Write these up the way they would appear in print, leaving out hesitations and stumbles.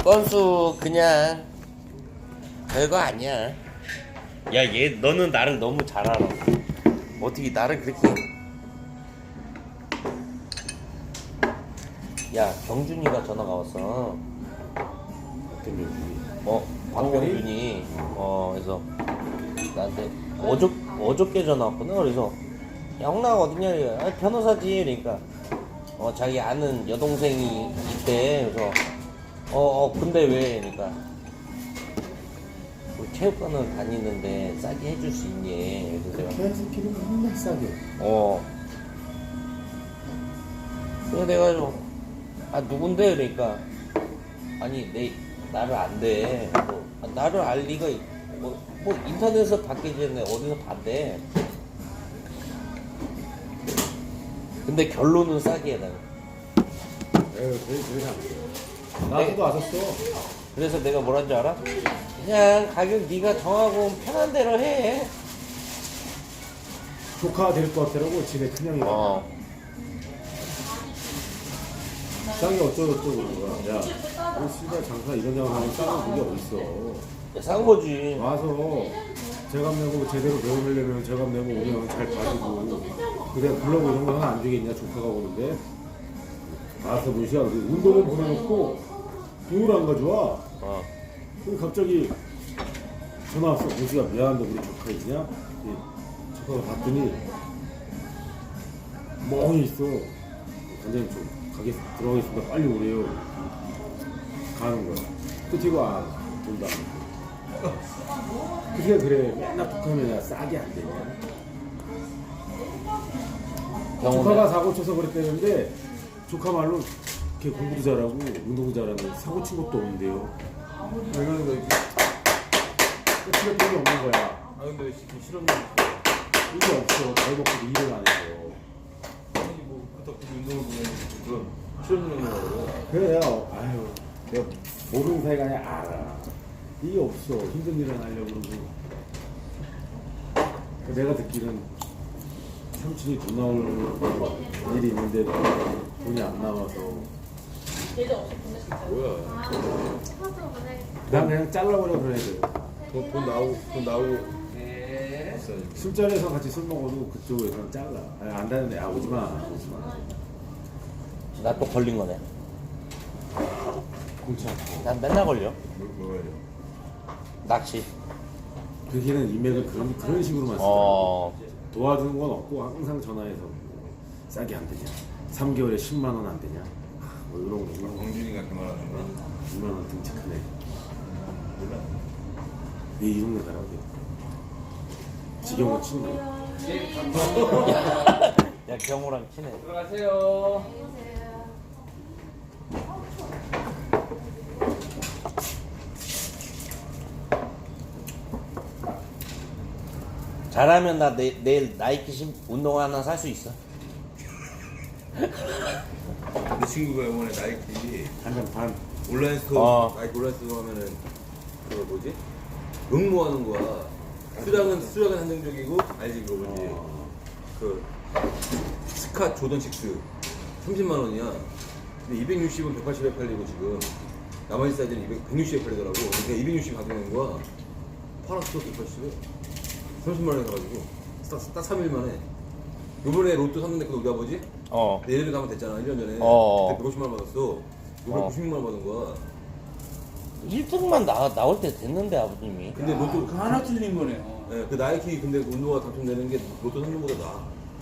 건수 그냥 별거 아니야. 야, 얘 너는 나를 너무 잘 알아. 어떻게 나를 그렇게. 야, 경준이가 전화가 왔어. 어떤 경준이? 박경준이. 그래서 나한테 어저께 전화 왔구나. 그래서 야, 홍나가 어딨냐? 아, 변호사지. 그러니까 자기 아는 여동생이 있대. 그래서 근데 왜? 그러니까 우리 체육관을 다니는데 싸게 해줄 수 있니? 그래서 내가 개새끼는 맨날 싸게. 그래서 내가 누군데? 그러니까 아니 나를 안 돼. 나를 알 리가 뭐 인터넷에서 봤기 전에 어디서 봤대. 근데 결론은 싸게 해달라. 그래서 안 돼. 나도 왔었어. 그래서 내가 뭐란 줄 알아? 그냥 가격 네가 정하고 편한 대로 해. 조카 될 것 같더라고, 집에 큰형이가. 쌍이 어쩌고저쩌고 그러는 거야. 야, 이 씨발 장사 이런 장사하면 쌍은 그게 어딨어. 야, 싼 거지. 와서 제값 내고 제대로 배우려면 제값 내고 오면 잘 봐주고. 그래, 불러고 이런 거 하나 안 주겠냐, 조카가 오는데. 와서 문시야, 운동은 보내놓고 돈을 안 가져와. 그럼 갑자기 전화 왔어. 문시가 미안한데 우리 조카 있냐? 조카가 봤더니 멍이 있어. 관장님 좀 가게 들어가겠습니다. 빨리 오래요. 가는 거야. 끝이고 돈도 안 주고. 그게 그래. 맨날 북하면 싸게 안 되냐? 조카가 사고 쳐서 그랬다는데 조카 말로 걔 공부도 잘하고 운동도 잘하는데 사고 친 것도 없는데요. 이러는 거지. 끝이 돈이 없는 거야. 근데 실험 이게 없어. 잘 먹고 일을 안 해서. 아니 뭐 그렇다고 운동을 보면 실험 운동을 그래요. 아유, 내가 모르는 사이가 아니라 알아. 이게 없어. 힘든 일을 하려고 그러고. 내가 듣기는 삼촌이 돈 나올 일이 있는데 돈이 안 나와서. 뭐야? 난 그냥 잘라버려 그래야 돼. 돈 나오고 술자리에서 같이 술 먹어도 그쪽에서는 잘라. 아니, 안 다는데 오지마. 나 또 걸린 거네. 공치 않고. 난 맨날 걸려. 뭐예요? 낚시. 그 걔는 인맥을 그런 식으로만 써. 어. 도와주는 건 없고 항상 전화해서 싸게 안 되냐. 3개월에 10만 원 안 되냐. 뭐 이런 거. 광준이가 그 말하는 거야? 2만 원 등짝하네. 왜 이런 거 가라고? 지경을 친다. 야, 경호랑 친해. 들어가세요. 잘하면 나 내일 나이키 운동 하나 살 수 있어. 내 친구가 이번에 나이키 한잔 반. 온라인 스토어 어. 나이키 온라인 스토어 하면은 그거 뭐지? 응모하는 거야. 수량은 한정적이고 알지 그거 뭐지? 그 스카 조던 6 30만 원이야. 근데 260은 180에 팔리고 지금 나머지 사이즈는 160에 팔리더라고. 그러니까 260 가격인 거야. 팔았어 180에 30만 원에 사가지고 딱 3일 만에. 요번에 로또 샀는데 그 우리 아버지 내일을 가면 됐잖아 1년 전에. 그때 150만 원 받았어. 요번에 96만 원 받은 거야. 1등만 나올 때 됐는데 아버님이. 근데 로또 하나 틀린 거네요. 네, 그 나이키 근데 운동화 당첨되는 게 로또 상금보다 나아.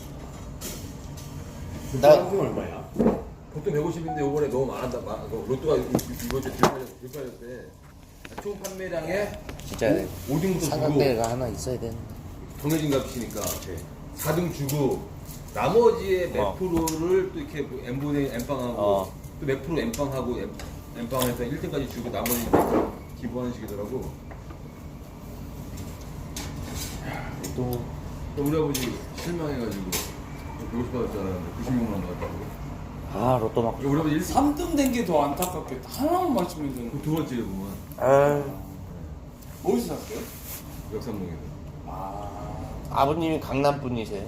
나 나 얼마야? 보통 150인데 요번에 너무 많았다. 로또가 이번 주에 들팔렸대. 총 판매량의 진짜 5등부터 주고 사각대가 하나 있어야 되는데. 정해진 값이니까 4등 주고 나머지의 몇 어. 프로를 또 이렇게 뭐 N분의 N빵하고 어. 또 몇 프로 N빵하고 N빵에서 1등까지 주고 나머지 기부하는 식이더라고. 또 우리 아버지 실망해가지고 150 받을 줄 알았는데 96만 원 받았다고. 로또 맞고. 우리 아버지 3등 된 게 더 안타깝겠다. 하나만 맞추면 되는 거. 두 번째를 보면 어디서 샀어요? 역삼동에서. 아버님이 강남 분이세요.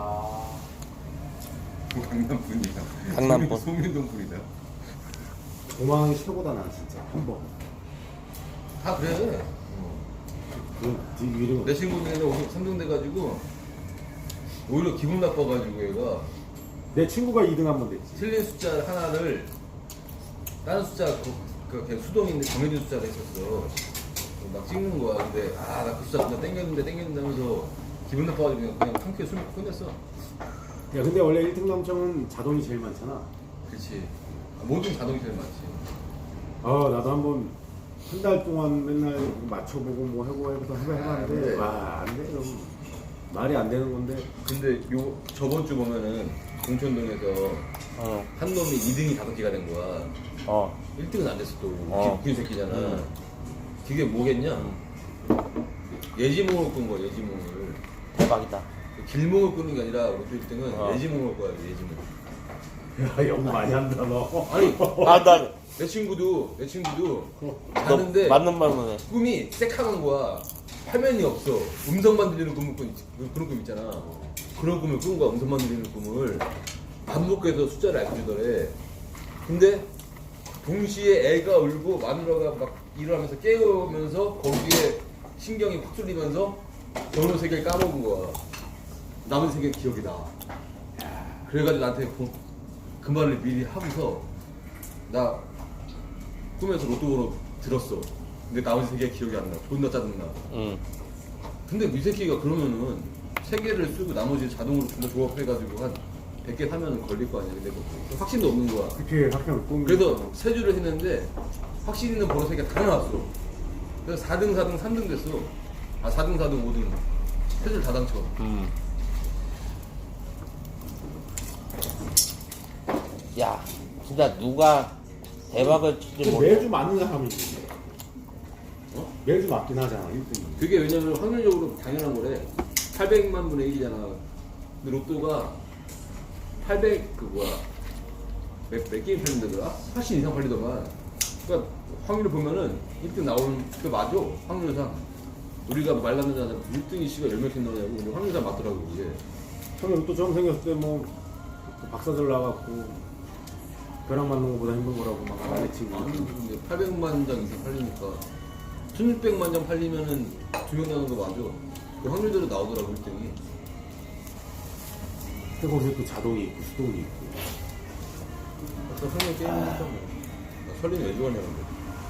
강남 분이야. 강남 분. 송민동 분이다. 도망이 최고다 난 진짜 한 번. 다 그래. 그 이름 내 친구들은 오늘 3등 돼가지고 오히려 기분 나빠가지고 얘가 내 친구가 2등 한 번 됐지. 틀린 숫자 하나를 다른 숫자 그냥 수동인데 정해진 숫자가 있었어. 막 찍는 거야. 근데 나 그 숫자 그냥 땡겼는다면서 기분 나빠가지고 그냥 한 큐에 술 먹고 끝냈어. 야 근데 원래 1등 당첨은 자동이 제일 많잖아. 그렇지. 모든 자동이 제일 많지. 나도 한번 한 달 동안 맨날 맞춰보고 뭐 해봤는데 네. 와 안 돼. 좀 말이 안 되는 건데. 근데 저번 주 보면은 공천동에서 한 놈이 2등이 5개가 된 거야. 1등은 안 됐어 또. 웃긴 새끼잖아. 그게 뭐겠냐? 예지몽을 꾼 거야, 예지몽을. 대박이다. 길몽을 꾸는 게 아니라 우리 1등은 예지몽을 꿔야 돼, 예지몽. 야 영 많이 한다 너. 아니, 나 내 친구도 자는데 맞는 말만 해. 꿈이 새카만 거야. 화면이 없어. 음성만 들리는 꿈을 그런 꿈 있잖아. 그런 꿈을 꾼 거야, 음성만 들리는 꿈을. 반복해서 숫자를 알려주더래. 근데 동시에 애가 울고 마누라가 막 일어나면서 깨우면서 거기에 신경이 확 쏠리면서 전후 세계를 까먹은 거야. 남은 세계 기억이 나. 그래가지고 나한테 그 말을 미리 하고서 나 꿈에서 로또로 들었어. 근데 나머지 세계 기억이 안 나. 존나 짜증나. 근데 이 새끼가 그러면은 세 개를 쓰고 나머지 자동으로 존나 조합해가지고 한 100개 사면은 걸릴 거 아니야. 근데 확신도 없는 거야. 그렇게 학교 꿈. 그래서 세 주를 했는데 확신 있는 번호 세 개가 다 나왔어. 그래서 4등, 4등, 3등 됐어. 4등, 4등, 5등. 세 줄 다 당첨. 야, 진짜 누가 대박을 칠지 모르. 매주 맞는 사람이 있는데. 매주 맞긴 하잖아 1등이. 그게 왜냐면 확률적으로 당연한 거래. 800만 분의 1이잖아. 근데 로또가 800 몇 게임 팔린다더라? 80 이상 팔리더만. 그러니까 확률을 보면은 1등 나오는 그 맞아. 확률상. 우리가 말랐는데 1등이 씨가 10명 캔 나오냐고. 근데 확률상 맞더라고 그게. 처음에 로또 처음 생겼을 때 뭐 박사들 나갔고 벼락 맞는 것보다 힘든 거라고 막 말했지. 근데 800만 장 이상 팔리니까 1600만 장 팔리면은 2명 나오는 거 맞아. 그 확률대로 나오더라고 1등이. 근데 거기서 또 자동이 있고 수동이 있고. 아까 설리 게임이니까 뭐. 나 설리는 왜 좋아하냐는데.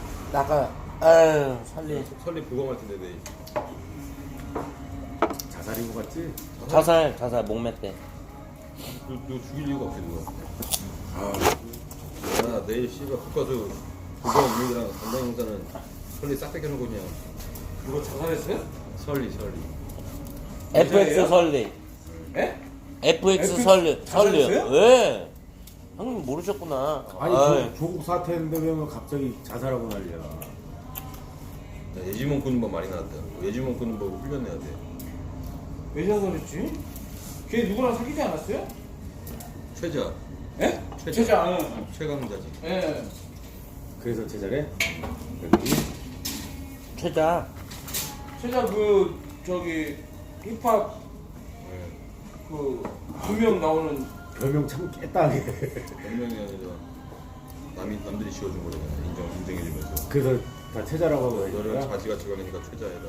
나가, 살리. 설리 보강할 텐데 내일. 자살인 것 같지? 자살, 목매 때. 너 죽일 이유가 없지 누가. 야 내일 씨가 국가수 보강 유익이랑 담당 형사는 설리 싹 뺏겨놓고 그냥. 누가 자살했어요? 설리. FX 설리. 예? FX 설리. 자살했어요? 왜? 형님 모르셨구나. 아니 아이, 조국 사태인데 왜 갑자기 자살하고 난리야. 야, 예지몽 끄는 법 많이 나왔다. 예지몽 끄는 법 훈련해야 돼. 왜 자살했지? 걔 누구랑 사귀지 않았어요? 최자. 예? 최자. 최자. 최강자지. 예. 그래서 제자래? 최자. 최자 힙합 그 2명 나오는 별명 참 깨딱해. 변명이 아니라 남들이 지어준 거잖아. 인정해주면서. 그래서 다 체자라고 하고 너는 그러니까 자지가 최강이니까 최자해라.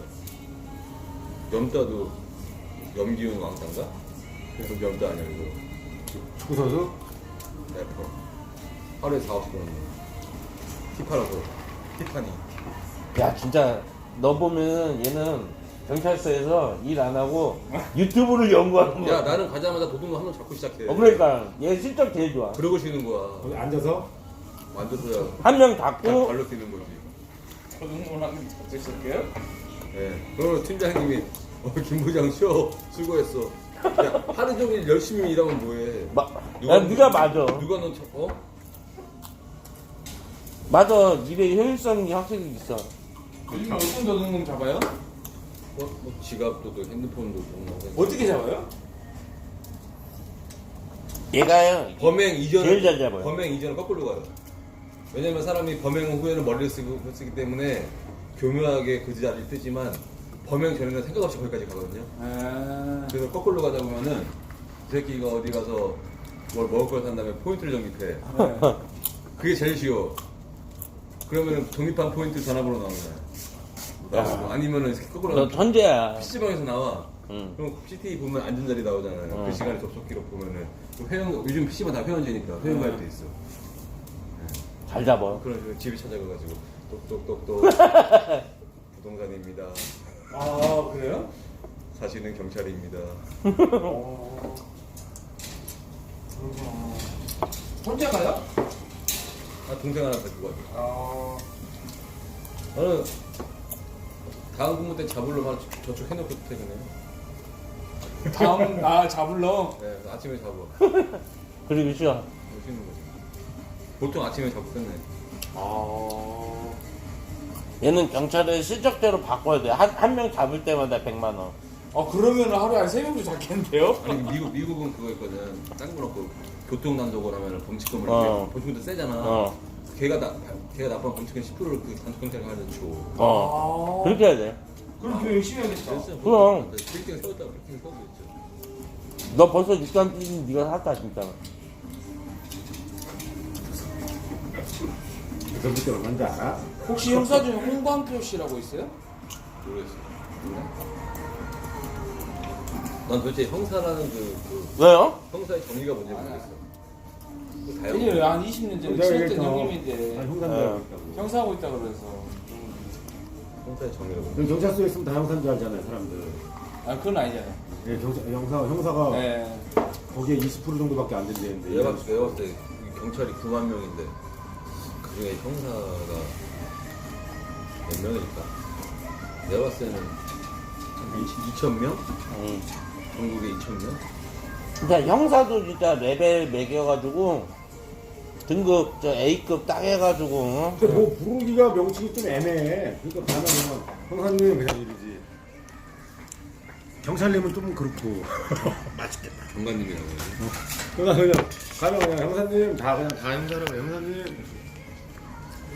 염따도 염기훈 왕따인가? 그래서 염따 아니야 이거. 축구 선수? 래퍼. 하루에 4억씩 버는 거. 티파라고. 티파니. 야, 진짜 너 보면 얘는 경찰서에서 일 안 하고 유튜브를 연구하는 거야. 야 나는 가자마자 도둑놈 한 명 잡고 시작해. 그러니까 얘 실적 제일 좋아. 그러고 쉬는 거야. 거기 앉아서 완전서야 한 명 닫고 발로 뛰는 거지. 저등문학을 잡고 있을게요? 예. 그러면 팀장님이 김 부장 쉬어. 수고했어. 야 하루 종일 열심히 일하면 뭐해. 야, 네가 맞아. 누가 너 어? 맞아. 일의 효율성이 확실히 있어. 요즘 어떤 도둑놈 잡아요? 뭐 지갑도 또 핸드폰도 또 어떻게 잡아요? 얘가요. 범행 이전 제일 잘 잡아요. 범행 이전은 거꾸로 가요. 왜냐면 사람이 범행 후에는 머리를 쓰기 때문에 교묘하게 그 자리를 뜨지만 범행 전에는 생각 없이 거기까지 가거든요. 그래서 거꾸로 가다 보면은 그 새끼가 어디 가서 뭘 먹을 걸 산 다음에 포인트를 적립해. 그게 제일 쉬워. 그러면 독립한 포인트 전화번호 나오는 거야. 야. 아니면은 거꾸로 너 천재야. PC방에서 나와. 응. 그럼 CT 보면 앉은 자리 나오잖아요. 어. 그 시간에 접속 기록 보면은 회원 요즘 PC방 다 회원제니까 회원 가입돼 있어. 잘 잡아. 그런 식으로 집에 찾아가가지고 똑똑똑똑 부동산입니다. 아 그래요? 사실은 경찰입니다. 어. 그렇구나. 혼자 가요? 아 동생 하나 데리고 가죠. 아. 저는 다음 근무 때 잡으러 바로 저축 해놓고 퇴근해요. 다음 잡을러. 네, 그래서 아침에 잡아. 그리고 쉬어. 쉬는 거지. 보통 아침에 잡고 끝내. 아. 얘는 경찰을 실적대로 바꿔야 돼. 한 명 잡을 때마다 100만 원. 그러면 하루에 한 3명도 잡겠는데요? 아니 미국은 그거 있거든. 딴거 없고 교통단속을 하면 범칙금을 범칙금도 세잖아. 걔가 나쁜 범칙금 10%를 그 단속경찰이 하나 줘. 그렇게 해야 돼. 그럼 그 열심히 해야겠다. 그럼. 빌딩을 세웠다 빌딩을 세우고 있죠. 너 벌써 6단 뛰는 네가 샀다 진짜. 그때부터 얼마인지 알아? 혹시 형사 중에 홍광표 씨라고 있어요? 모르겠어. 난 도대체 형사라는 왜요? 형사의 정의가 뭔지 모르겠어. 그 다양한 아니요, 한 20년 전에 친했던 형님인데 형사인 줄 알고 있다고. 형사하고 있다 그래서. 형사의 정의가 뭔지. 그럼 경찰서에 있으면 다 형사인 줄 알잖아요, 사람들. 그건 아니잖아요. 예, 형사가 네. 거기에 20% 정도밖에 안 된다는데. 내가 봤을 때 경찰이 9만 명인데 그 중에 형사가 몇 명일까? 내가 봤을 때는 2,000명? 전국에 2,000명? 진짜 형사도 진짜 레벨 매겨가지고 등급 저 A급 딱 해가지고. 근데 뭐 부르기가 명칭이 좀 애매해. 그러니까 가면 형사님은 그냥 이러지. 경찰님은 좀 그렇고. 정관님이라고 해야지. 그러니까 그냥 가면 그냥 형사님 다 형사라고 형사님.